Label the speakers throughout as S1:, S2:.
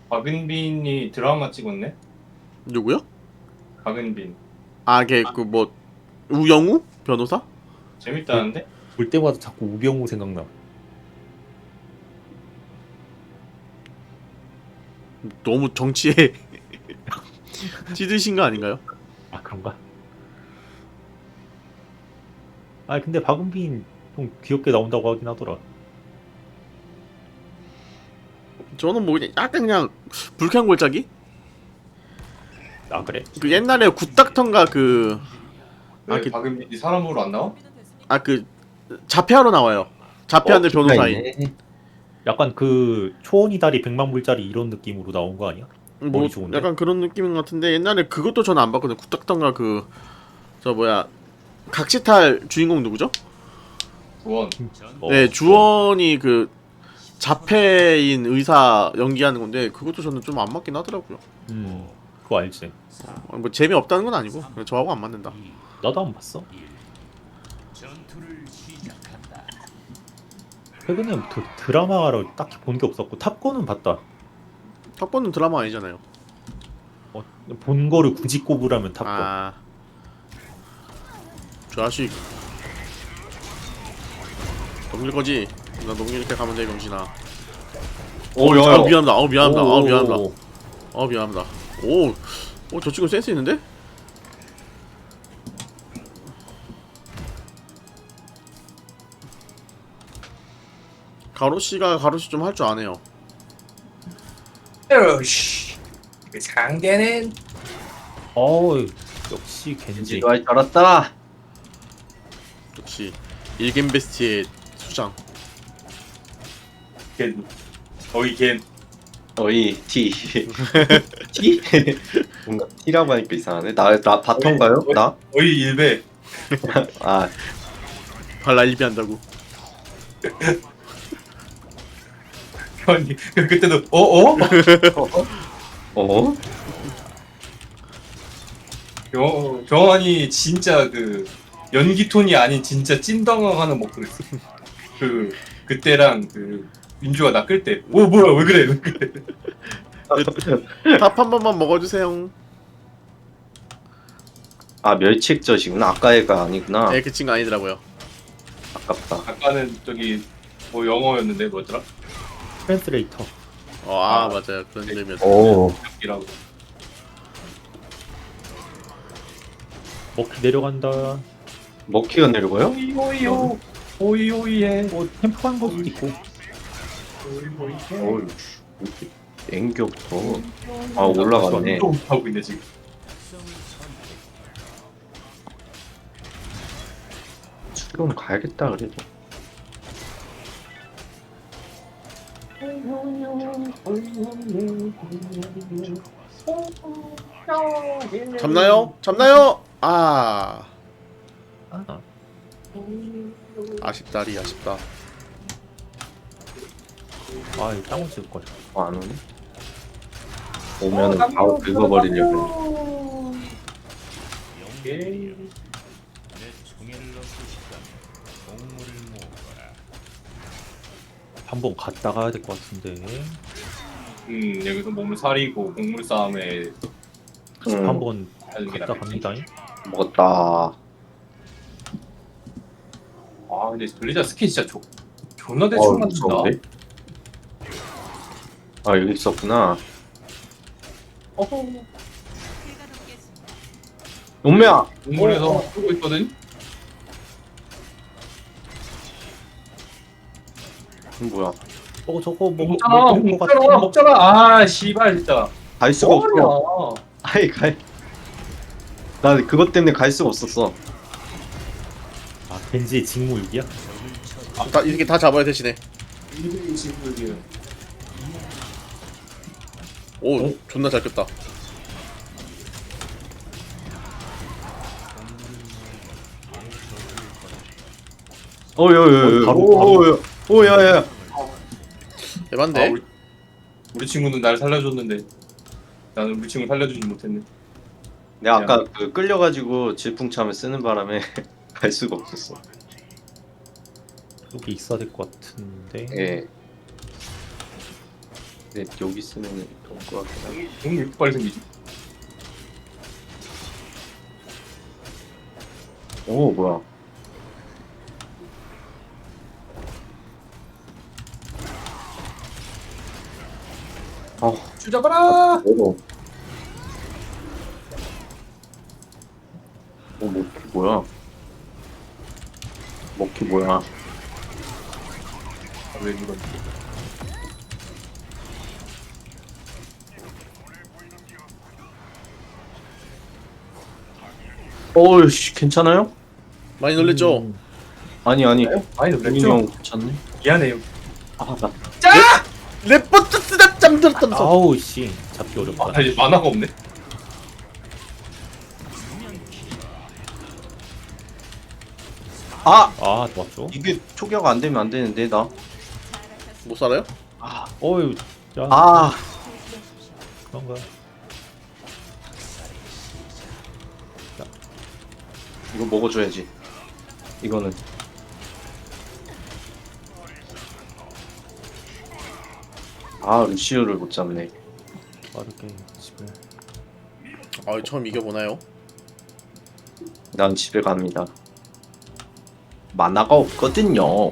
S1: 박은빈이 드라마 찍었네?
S2: 누구요?
S1: 박은빈.
S2: 아, 걔 그 뭐 우영우 변호사?
S1: 재밌다는데?
S3: 볼 때마다 자꾸 우병우 생각나.
S2: 너무 정치에 찌드신 거 아닌가요?
S3: 아 그런가? 아 근데 박은빈 좀 귀엽게 나온다고 하긴 하더라.
S2: 저는 뭐 그냥 약간 그냥 불쾌한 골짜기?
S3: 아 그래?
S2: 그 옛날에 굿닥터인가 그
S1: 왜
S2: 그-
S1: 박은빈이 사람으로 안 나와?
S2: 자폐하러 나와요. 자폐하는 변호사인.
S4: 있네.
S3: 약간 그 초원이 다리 100만 불짜리 이런 느낌으로 나온 거 아니야?
S2: 뭐
S3: 머리 좋은데?
S2: 약간 그런 느낌인 것 같은데 옛날에 그것도 저는 안 봤거든요. 굿닥터인가 그 저 뭐야 각시탈 주인공 누구죠?
S1: 조원.
S2: 네, 주원이 그 자폐인 의사 연기하는 건데 그것도 저는 좀 안 맞긴 하더라고요.
S3: 그거 알지?
S2: 뭐 재미 없다는 건 아니고 그냥 저하고 안 맞는다.
S3: 나도 안 봤어. 최근에 드라마를 딱히 본 게 없었고 탑건은 봤다.
S2: 탑건은 드라마 아니잖아요.
S3: 본 거를 굳이 꼽으라면 탑건.
S2: 아, 저 자식 넘길 거지? 나 넘기니까 가면 돼 병신아.
S4: 오,
S2: 아
S4: 야,
S2: 미안합니다. 미안합니다.
S3: 오,
S2: 미안합니다.
S3: 오.
S2: 미안합니다. 저 친구 센스 있는데? 가로씨가 가로씨 좀 할 줄 아네요.
S1: 으씨. 그 상대는
S3: 어우 역시 겐지.
S4: 겐지도 할 줄 알았다.
S2: 역시 일겜베스트의 수장.
S1: 겐. 거의 겐.
S4: 어이 T. T? 뭔가 T라고 하니까 이상하네. 나 바텀가요? 나?
S1: 거의 일배.
S4: 아,
S2: 발라 일비한다고.
S1: 아니 그때도 어어?
S4: 어?
S1: 경환이 진짜 그 연기 톤이 아닌 진짜 찐당황하는 목소리. 그때랑 그 민주가 나 끌 때. 오 뭐야 왜 그래 왜 그래.
S2: 밥 한 번만 먹어주세요.
S4: 아, 멸치액젓이구나. 아까 애가 아니구나.
S2: 그 친구 아니더라고요.
S4: 아깝다.
S1: 아까는 저기 뭐 영어였는데 뭐였더라?
S3: 트랜스레이터.
S2: 맞아요. 그런 이름이었어요.
S4: 오.
S1: 이라고.
S3: 먹기 내려간다.
S4: 먹기가 내려가요?
S1: 오이오이요. 오이오이에.
S3: 뭐 템포 간 것도 있고.
S4: 어우, 앵겨부터. 아, 올라갔네.
S1: 또 하고 있네 지금.
S4: 수련 가야겠다, 그래도.
S2: 잡나요? 잡나요? 아쉽다리 아쉽다.
S3: 아 땅을 찍을 거야.
S4: 안 오네? 오면은 바로 긁어버리려고.
S3: 한번 갔다 가야 될 것 같은데.
S1: 여기서 몸을 사리고 곡물 싸움에
S3: 한번
S1: 하는 게
S3: 갔다
S1: 낫겠지.
S3: 갑니다.
S4: 먹었다.
S1: 아 근데 블리자 스킨 진짜 존나 대충 만든다.
S4: 무서운데? 아, 여기 있었구나. 용매야!
S1: 동물에서 쓰고 있거든.
S4: 뭐야?
S3: 저거
S1: 먹잖아
S3: 먹을 것
S1: 먹잖아
S3: 같아.
S1: 먹잖아. 아 씨발 진짜.
S4: 갈 수가 없어.
S1: 뭐야.
S4: 아이, 나 그것 때문에 갈 수가 없었어.
S3: 아 겐지의 직무 6이야?
S2: 이렇게 다 잡아야 대신에.
S1: 이들이 지금
S2: 존나 잘 꼈다.
S4: 오야야야.
S2: 대반데.
S1: 우리 친구는 날 살려줬는데 나는 우리 친구 살려주지 못했네.
S4: 내가 아까 그 끌려가지고 질풍참을 쓰는 바람에 갈 수가 없었어.
S3: 여기 있어야 될 것 같은데.
S4: 예. 근데 여기 쓰면 좋을 것 같긴 하네.
S1: 공이 왜 이렇게 빨리 생기지?
S4: 오 뭐야? 아
S1: 주잡아라!
S4: 어머. 먹기 뭐야? 먹기 뭐야?
S1: 아, 왜 이런?
S4: 어우씨 괜찮아요?
S2: 많이 놀랬죠?
S4: 아니
S1: 많이
S4: 우민이
S1: 놀랬죠?
S4: 형 괜찮네?
S1: 미안해요.
S4: 아나
S1: 짜!
S2: 레포트 쓰다 잠들었다면서.
S3: 아우 씨 잡기 어렵다.
S1: 아, 이제 만화가 없네.
S4: 아!
S3: 아 좋았죠.
S4: 이게 초기화가 안 되면 안 되는데 나.
S2: 못 살아요?
S3: 어유 야
S4: 아
S3: 그런가.
S4: 이거 먹어줘야지. 이거는 아 루시우를 못 잡네.
S3: 빠르게 집을.
S2: 아 처음 이겨보나요?
S4: 난 집에 갑니다. 만화가 없거든요.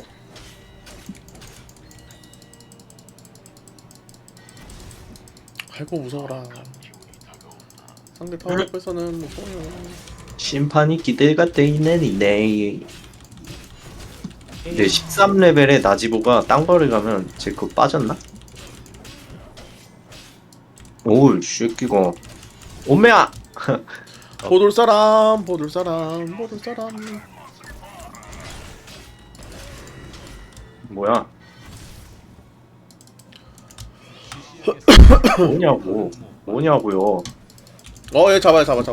S2: 아이고 무서워라. 상대 타워 앞에서는 무서워요.
S4: 심판이 기대가 돼 있는 이네. 근데 13레벨의 나지보가 딴 거를 가면 제 그거 빠졌나? 오이 새끼가 오메야!
S2: 보돌 사람, 보돌 사람, 보돌 사람.
S4: 뭐야? 뭐냐고요?
S2: 얘 잡아요, 잡아.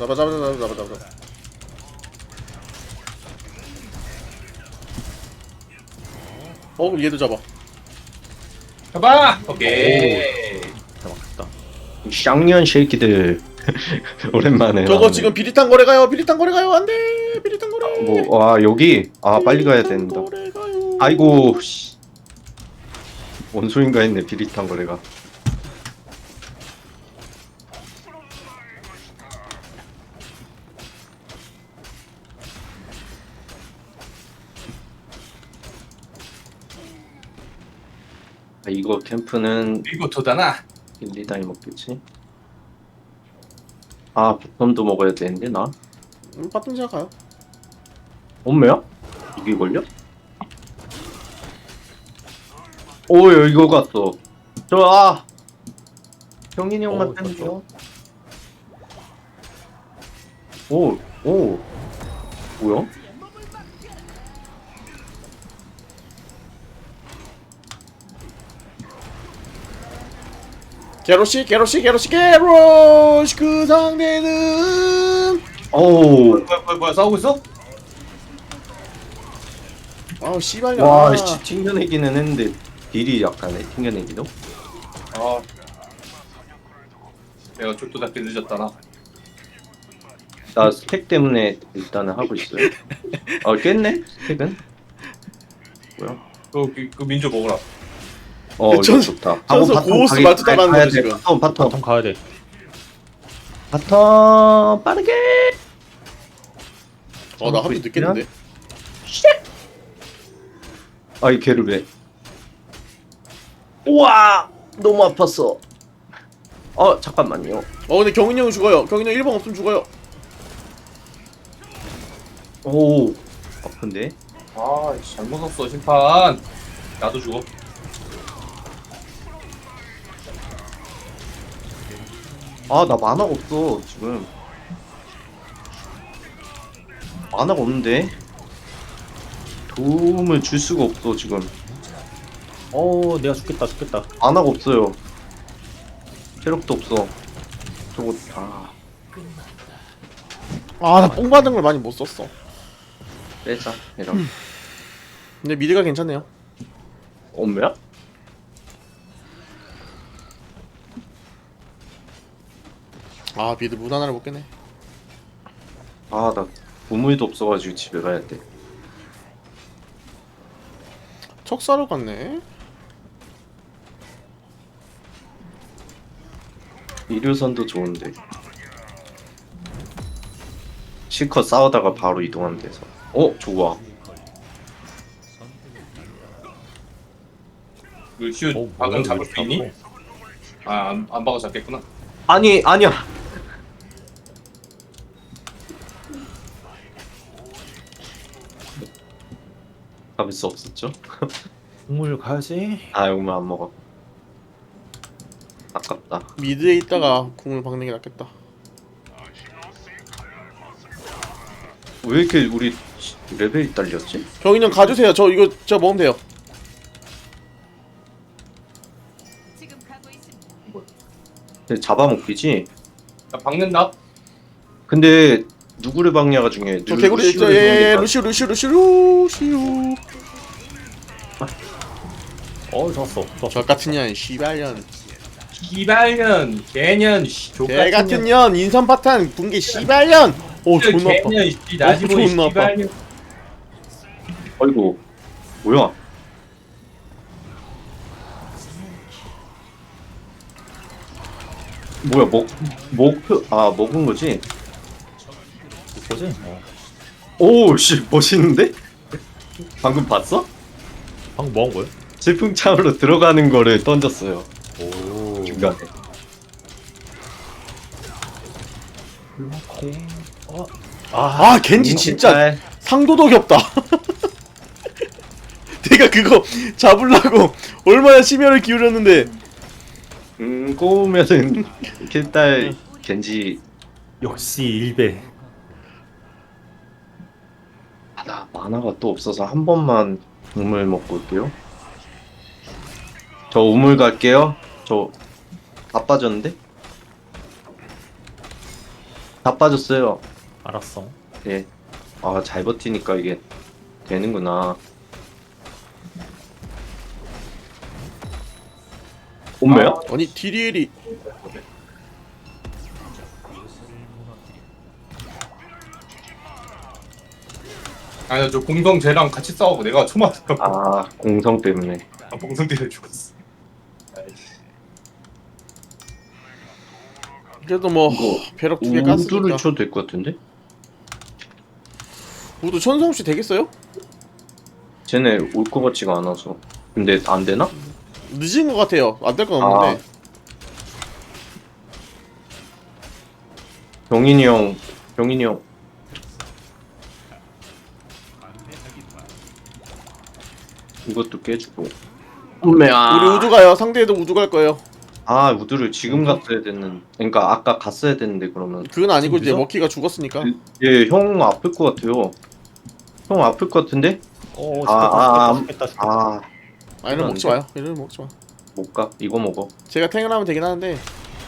S2: 그럼 얘도 잡아.
S1: 잡아! 오케이.
S3: 잡았다.
S4: 쌍년 새끼들 오랜만에.
S2: 저거
S4: 나오네.
S2: 지금 비릿한 거래 가요, 안돼, 비릿한 거래.
S4: 뭐, 와 여기 빨리 가야 된다.
S2: 거래 가요.
S4: 아이고 씨. 뭔 소린가 했네 비릿한 거래가. 이거 캠프는
S1: 이거 도다나.
S4: 일리다이 먹겠지? 바텀도 먹어야 되는데 나?
S2: 바텀 제가 가요.
S4: 엄매야? 이게 걸려? 오 이거 갔어. 경인이 형만 뺀겨. 오 뭐야?
S2: 게로시 그 상대는
S4: 어우
S1: 뭐야, 싸우고 있어?
S2: 아우 씨발야.
S4: 와 씨, 튕겨내기는 했는데 딜이 약하네 튕겨내기도.
S1: 아. 내가 쫄도 잡기 늦었다나.
S4: 나 스택 때문에 일단은 하고 있어요. 깼네 스택은. 뭐야?
S1: 그 민조 먹어라.
S4: 이거
S2: 전-
S4: 좋다.
S2: 전서
S4: 바텀
S2: 고호스
S4: 가기-
S2: 말투 따라하는
S4: 가야
S2: 거죠,
S4: 돼.
S2: 지금.
S3: 바텀 가야 돼.
S4: 바텀 빠르게.
S2: 나 합류 늦겠는데.
S4: 이 걔를 왜? 우와 너무 아팠어. 잠깐만요.
S2: 근데 경인이 형 죽어요. 경인이 형 1번 없으면 죽어요.
S4: 오 아픈데?
S1: 아, 잘못 썼어, 심판. 나도 죽어.
S4: 나 만화가 없어 지금. 만화가 없는데 도움을 줄 수가 없어 지금.
S3: 내가 죽겠다.
S4: 만화가 없어요. 체력도 없어. 저거
S2: 나 뽕 받은 걸 많이 못 썼어.
S4: 빼자 이런.
S2: 근데 미드가 괜찮네요.
S4: 엄매야?
S2: 미드 문 하나를 못 깨네.
S4: 나 보물도 없어가지고 집에 가야 돼.
S2: 척사로 갔네.
S4: 이류선도 좋은데 실컷 싸우다가 바로 이동하면 돼서. 좋아.
S1: 루시우
S3: 뭐야,
S1: 방금 잡을
S3: 이거
S1: 수 있니?
S3: 잡고.
S1: 안 박아 잡겠구나.
S4: 아니야. 잡을 수 없었죠?
S3: 국물 가야지.
S4: 아, 이거만 안 먹어. 아깝다.
S2: 미드에 있다가 궁을 박는 게 낫겠다.
S4: 왜 이렇게 우리 레벨이 딸렸지?
S2: 병인 형 가주세요. 저 이거 제가 먹으면 돼요.
S5: 지금 가고 있습니다.
S4: 근데 잡아먹기지?
S1: 나 박는다.
S4: 근데 누구를 박냐가 중요해.
S2: 저 개구리 있죠. 예, 루시우.
S3: 좋았어.
S2: 저 같은 년, 씨발년.
S1: 기발년, 개년,
S2: 개 같은 년, 인선 파탄, 붕괴 씨발년. 오, 존나 아파.
S1: 개년, 나지보이
S2: 존나 아파.
S1: 기발년.
S4: 아이고, 뭐야? 뭐야, 먹은 거지?
S3: 뭐지?
S4: 오, 씨, 멋있는데? 방금 봤어?
S3: 방금 뭐 한 거야?
S4: 질풍참으로 들어가는 거를 던졌어요.
S3: 오.
S4: 중간에.
S2: 아, 겐지 진짜 상도덕이 없다. 내가 그거 잡으려고 얼마나 심혈을 기울였는데.
S4: 꼬우면은 킬딸 겐지.
S3: 역시 일배.
S4: 나 만화가 또 없어서 한 번만 우물 먹고 올게요. 저 우물 갈게요. 저 다 빠졌는데? 다 빠졌어요.
S3: 알았어.
S4: 예. 아, 잘 버티니까 이게 되는구나. 온매야?
S2: 아니, 디리엘이
S1: 아니 저 공성 쟤랑 같이 싸우고 내가 초만
S4: 아, 공성 때문에.
S1: 공성 때문에 죽었어. 아이씨.
S2: 그래도 뭐
S4: 이거
S2: 벼락 두개
S4: 우두를
S2: 깠으니까.
S4: 쳐도 될 것 같은데?
S2: 우두 천성씨 되겠어요?
S4: 쟤네 올 것 같지가 않아서. 근데 안 되나?
S2: 늦은 것 같아요. 안 될 건 없는데.
S4: 병인이 형. 이것도 깨주고. 온매야.
S2: 우리 우두 가요. 상대에도 우두 갈 거예요.
S4: 아, 우두를 지금 갔어야 됐는. 그러니까 아까 갔어야 됐는데 그러면.
S2: 그건 아니고 이제
S3: 늦어?
S2: 먹기가 죽었으니까.
S4: 예, 형 아플 것 같아요. 형 아플 것 같은데?
S3: 죽겠다.
S4: 아,
S2: 이러면 먹지 마요. 이러면 먹지 마.
S4: 못 가. 이거 먹어.
S2: 제가 탱을 하면 되긴 하는데.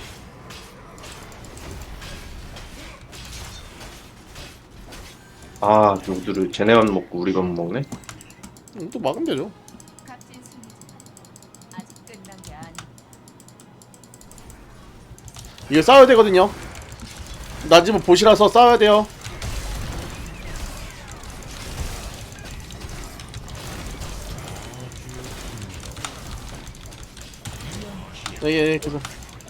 S4: 아, 우두를 쟤네만 먹고 우리만 먹네?
S2: 또 막으면 되죠.
S5: 값진 승리지만 아직 끝난 게 아닙니다.
S2: 이거 싸워야 되거든요. 나 지금 보시라서 싸워야 돼요. 예, 계속.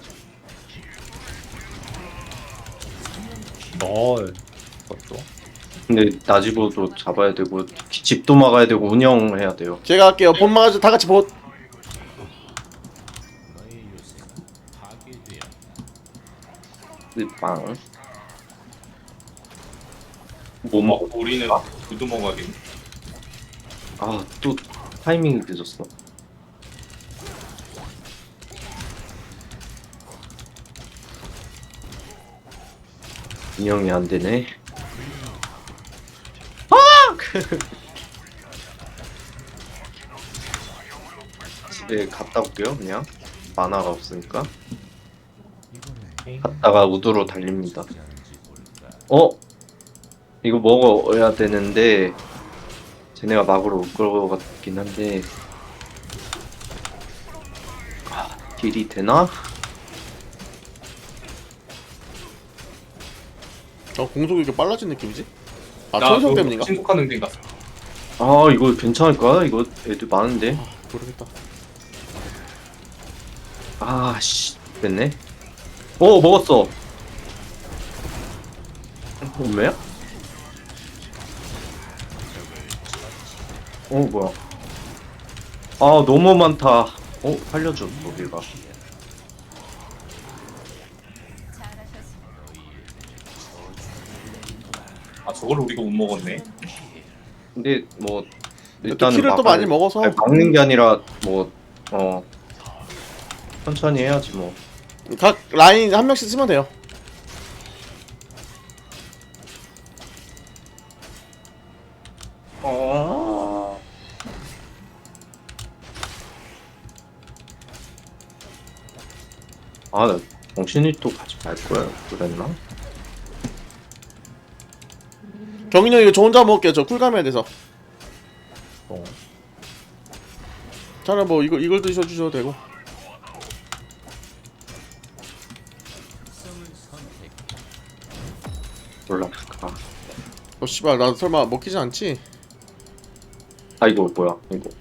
S3: 그것도.
S4: 근데 나지보도 잡아야 되고 집도 막아야 되고 운영해야 돼요.
S2: 제가 할게요. 본 막아줘. 다 같이 보.
S4: 빵. 뭐 먹어?
S1: 우리는 우두 먹어야겠네.
S4: 아, 또 타이밍이 늦었어. 운영이 안 되네. 집에 갔다 올게요, 그냥. 만화가 없으니까. 갔다가 우두로 달립니다. 이거 먹어야 되는데 쟤네가 막으러 올 것 같긴 한데. 딜이 되나?
S2: 공속이 이렇게 빨라진 느낌이지? 아,
S1: 나
S2: 천성
S1: 그거
S2: 때문인가?
S1: 신속한 능력 갔어.
S4: 아, 이거 괜찮을까? 이거 애들 많은데.
S2: 모르겠다.
S4: 아, 씨, 됐네. 먹었어. 뭐야? 뭐야? 아 너무 많다. 살려줘 여기가.
S5: 잘하셨습니다.
S1: 아 저걸 우리가 못 먹었네.
S4: 근데 뭐
S2: 또
S4: 일단은
S2: 키를 또 많이 먹어서
S4: 아니, 막는 게 아니라 뭐 천천히 해야지 뭐.
S2: 각 라인 한 명씩 쓰면 돼요.
S4: 나 정신이 또 가지 말 거야. 그랬나?
S2: 경인이 형 이거 저 혼자 먹을게요. 저 쿨감해야 돼서.
S3: 어.
S2: 차라리 뭐 이걸 드셔주셔도 되고.
S4: 몰라.
S2: 씨발 나 설마 먹히지 않지?
S4: 이거 뭐야? 이거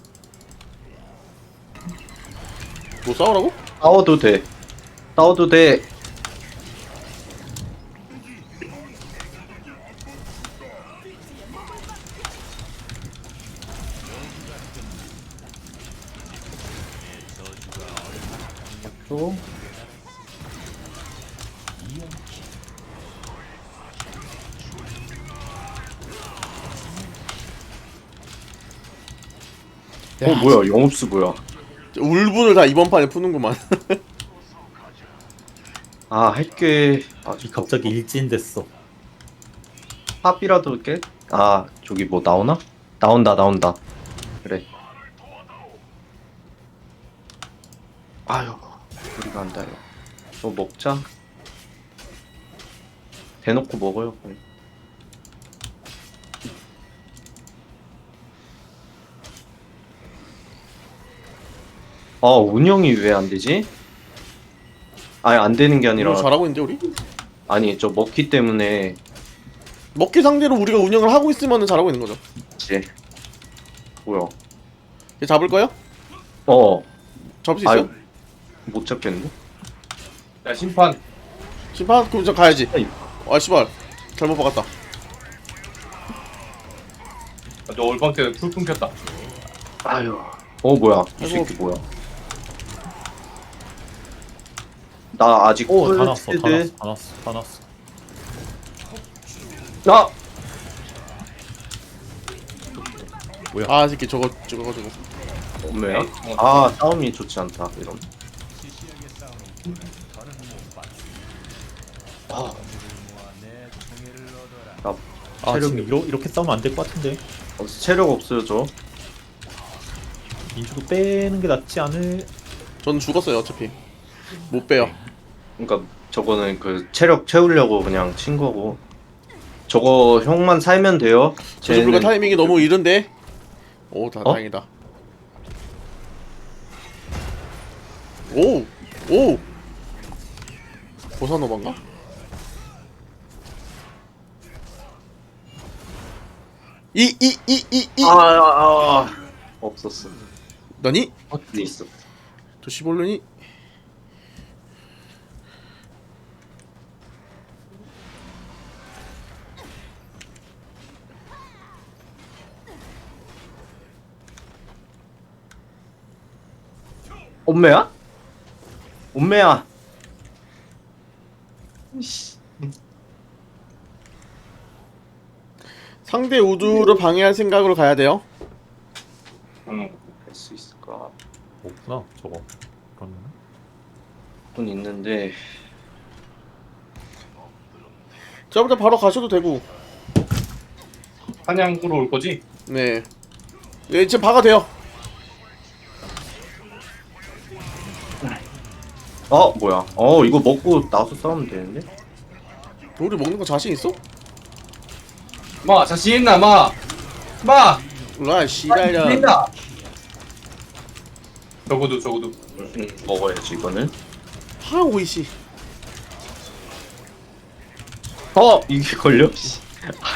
S2: 뭐 싸우라고?
S4: 싸워도 돼. 싸워도 돼.
S3: 또
S4: 뭐야? 영업수 뭐야?
S2: 울분을 다 이번 판에 푸는구만.
S4: 할게.
S3: 갑자기 일진됐어.
S4: 팝이라도 깨? 저기 뭐 나오나? 나온다. 그래. 아유, 우리가 안 닿아요. 먹자. 대놓고 먹어요. 그냥. 운영이 왜 안 되지? 아니, 안 되는 게 아니라,
S2: 이거 잘하고 있는데 우리?
S4: 아니, 저 먹기 때문에,
S2: 먹기 상대로 우리가 운영을 하고 있으면 잘하고 있는 거죠.
S4: 이제, 뭐야.
S2: 얘 잡을 거요? 잡을 수 있어요?
S4: 아유, 못 잡겠는데?
S1: 야 심판.
S2: 심판? 그럼 저 가야지.
S4: 아이.
S2: 씨발 잘못 박았다.
S1: 너 올방 때풀 끊겼다.
S4: 아유. 뭐야. 이
S2: 아이고.
S4: 새끼 뭐야. 나 아직
S3: 다 났어.
S4: 콜세드.
S3: 다 났어.
S2: 이 새끼 저거.
S4: 뭐야?
S1: 어.
S4: 싸움이 좋지 않다. 이런. 체력이-
S3: 지금 이렇게 싸우면 안 될 것 같은데.
S4: 체력 없어요, 저.
S3: 민주도 빼는 게 낫지 않을.
S2: 전 죽었어요 어차피. 못 빼요.
S4: 그러니까 저거는 그 체력 채우려고 그냥 친 거고. 저거 형만 살면 돼요.
S2: 저주 불가
S4: 쟤는
S2: 타이밍이 너무 이른데.
S4: 어?
S2: 다행이다. 오. 보사노반가? 이
S4: 없었어.
S2: 너니?
S4: 어디 있어?
S2: 저 시볼르니?
S4: 엄매야? 엄매야.
S2: 상대 우두를 방해할 생각으로 가야 돼요.
S1: 응.
S4: 할 수 있을까?
S3: 없구나 저거. 그러면
S4: 돈 있는데.
S2: 저부터 바로 가셔도 되고.
S1: 사냥으로 올 거지?
S2: 네. 네 지금 박아 돼요.
S4: 뭐야? 이거 먹고 나와서 싸우면 되는데?
S2: 우리 먹는 거 자신 있어?
S1: 마 자신 있나 마.
S2: 라 씨발야.
S1: 있나? 적어도.
S4: 먹어야지 이거는.
S2: 오이씨.
S4: 이게 걸려? 씨.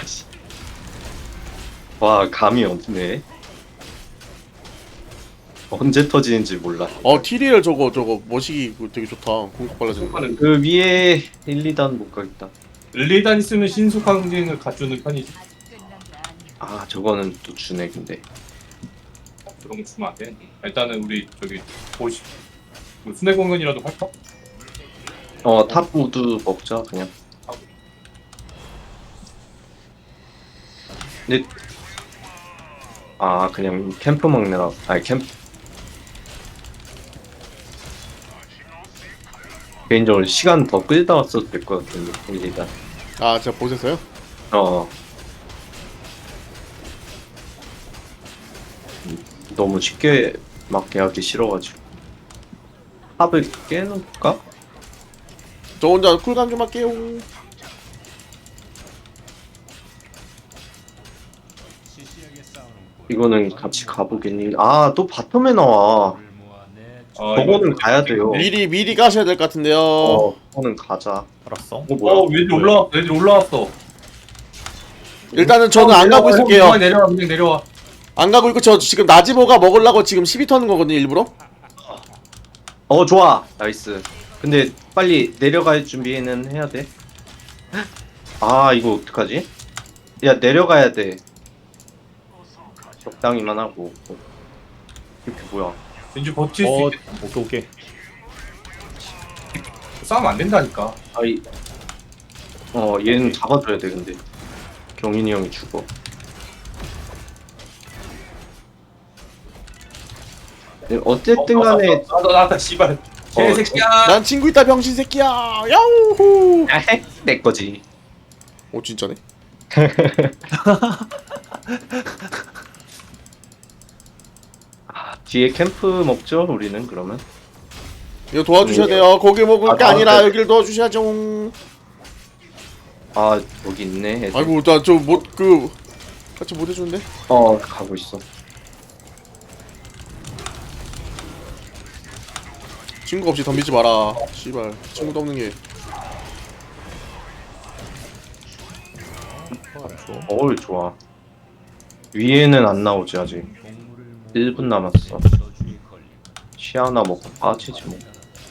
S4: 와 감이 없네. 언제 터지는지 몰라.
S2: TDL 저거 머시기 그거 되게 좋다. 공격 빨라지는 거.
S1: 하는
S4: 그 위에 1, 2단 못 가겠다.
S1: 릴리단이 쓰는 신속한 행을 갖추는 편이지.
S5: 아직 끝난 게 아니야.
S4: 아 저거는 또 주네 근데.
S1: 그런 거 주면 안 돼. 일단은 우리 저기 보시 뭐 순회 공연이라도 할까?
S4: 탑 우드 먹자 그냥. 근데 그냥 캠프 먹느라 캠프 개인적으로 시간 더 끌다 왔어도 될 것 같은데 일단
S2: 제가 보셨어요?
S4: 너무 쉽게 막 하기 싫어가지고 탑을 깨놓을까?
S2: 저 혼자 쿨감 좀 할게요.
S4: 이거는 같이 가보겠니? 또 바텀에 나와. 저거는 가야 돼요.
S2: 미리 가셔야 될 것 같은데요.
S4: 저거는 가자.
S3: 알았어.
S4: 뭐야?
S1: 얘들 올라왔어. 얘들 올라왔어.
S2: 일단은 저는 안 가고 있을게요.
S1: 그냥 내려와, 그냥 내려와.
S2: 안 가고 있고 저 지금 나지보가 먹으려고 지금 12 터는 거거든요 일부러.
S4: 좋아. 나이스. 근데 빨리 내려갈 준비는 해야 돼. 이거 어떡하지? 야, 내려가야 돼. 적당히만 하고. 이렇게 뭐야?
S1: 왠지 버틸 수 있겠다.
S3: 오케이.
S1: 싸우면 안 된다니까.
S4: 얘는 잡아줘야 돼, 근데. 경인이 형이 죽어. 어쨌든 간에.
S1: 나다 씨발. 개새끼야.
S2: 난 친구 있다 병신 새끼야. 야우후.
S4: 내 거지.
S2: 오 진짜네.
S4: 뒤에 캠프 먹죠, 우리는 그러면?
S2: 이거 도와주셔야 돼요. 거기 먹을 게 아니라
S4: 네.
S2: 여기를 도와주셔야죠.
S4: 여기 있네. 애들.
S2: 아이고 나 저 못 같이 못 해주는데.
S4: 가고 있어.
S2: 친구 없이 덤비지 마라. 씨발 친구도 없는 게.
S4: 좋아. 위에는 안 나오지 아직. 1분 남았어. 시아나 먹고 빠지지 뭐.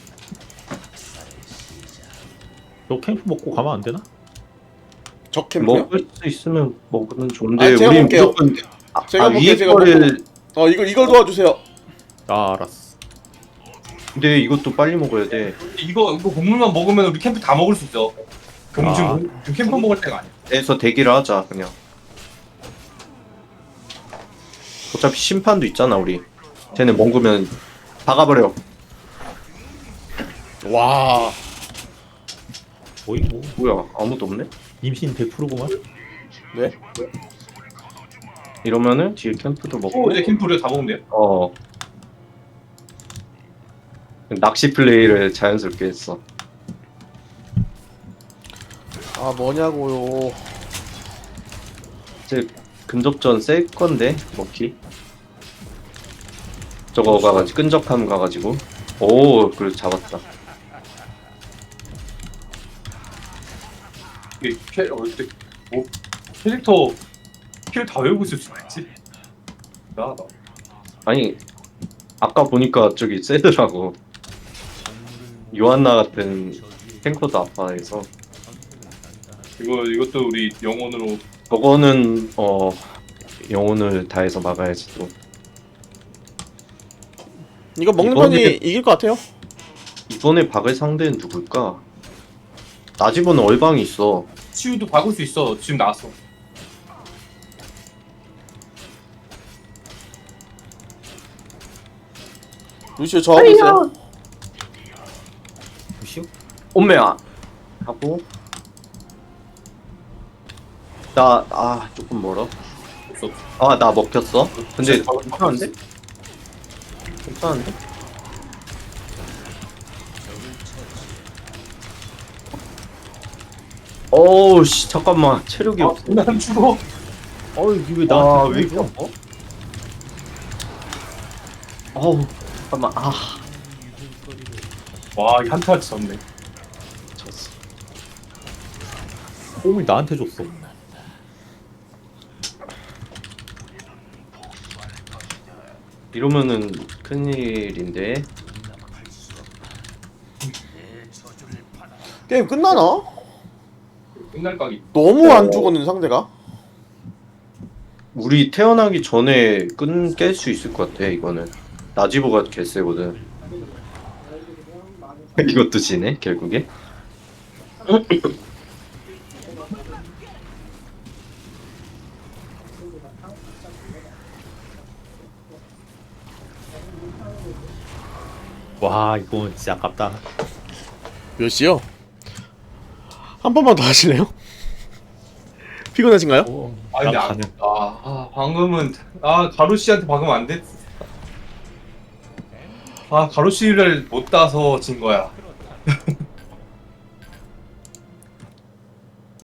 S3: 너 캠프 먹고 가면 안 되나?
S2: 적 캠프요?
S4: 먹을 수 있으면 먹으면 좋은데
S2: 제가
S4: 우리
S2: 먹을게요.
S4: 무조건
S2: 제가 먹게요,
S4: 위에
S2: 제가
S4: 거를
S2: 이걸 도와주세요.
S3: 알았어.
S4: 근데 이것도 빨리 먹어야 돼.
S1: 이거 곡물만 먹으면 우리 캠프 다 먹을 수 있어. 지금 캠프 먹을 때가 아니야.
S4: 해서 대기를 하자 그냥. 어차피 심판도 있잖아 우리. 쟤네 먹으면 박아버려.
S2: 와.
S4: 뭐야 아무도 없네?
S3: 임신 100%구만.
S2: 네?
S4: 이러면은 뒤에 캠프도 먹고.
S1: 이제 캠프 우리가 다 먹으면 돼요.
S4: 낚시 플레이를 자연스럽게 했어.
S2: 뭐냐고요.
S4: 이제 근접전 셀 건데 먹기. 저거 가가지고 끈적함 가가지고. 그래 잡았다.
S1: 이게 캐릭터 킬 다 외우고 있을 수가 있지. 나.
S4: 아니 아까 보니까 저기 세더라고. 요한나 같은 탱커도 아파해서.
S1: 이것도 우리 영혼으로.
S4: 저거는 영혼을 다해서 막아야지 또.
S2: 이거 먹는
S4: 이번에-
S2: 편이 이길 것 같아요.
S4: 이번에 박을 상대는 누굴까? 나지보는 얼방이 있어.
S1: 치유도 박을 수 있어. 지금 나왔어.
S2: 루시오 저 하고 있어요.
S3: 무시오?
S4: 엄매야 하고. 나 조금 멀어.
S1: 없어.
S4: 나 먹혔어. 근데
S1: 진짜
S4: 괜찮은데? 괜찮은데? 씨 잠깐만 체력이 없어.
S1: 난 죽어.
S3: 이게 왜
S4: 왜
S3: 나한테
S4: 이렇게 아파? 잠깐만.
S1: 와, 이 한타 졌네.
S4: 졌어.
S3: 뽕을 나한테 줬어.
S4: 이러면은 큰일인데.
S2: 게임 끝나나?
S1: 끝날 각이.
S2: 너무 안 죽었는 상대가.
S4: 우리 태어나기 전에 깰 수 있을 것 같아 이거는. 나지보가 개쎄거든. 이것도 지네 결국에.
S3: 와 이건 진짜 아깝다.
S2: 몇 시요? 한 번만 더 하실래요? 피곤하신가요?
S1: 아 근데
S3: 난 가능.
S1: 방금은 가루씨한테 방금 안 됐. 가루씨를 못 따서 진 거야.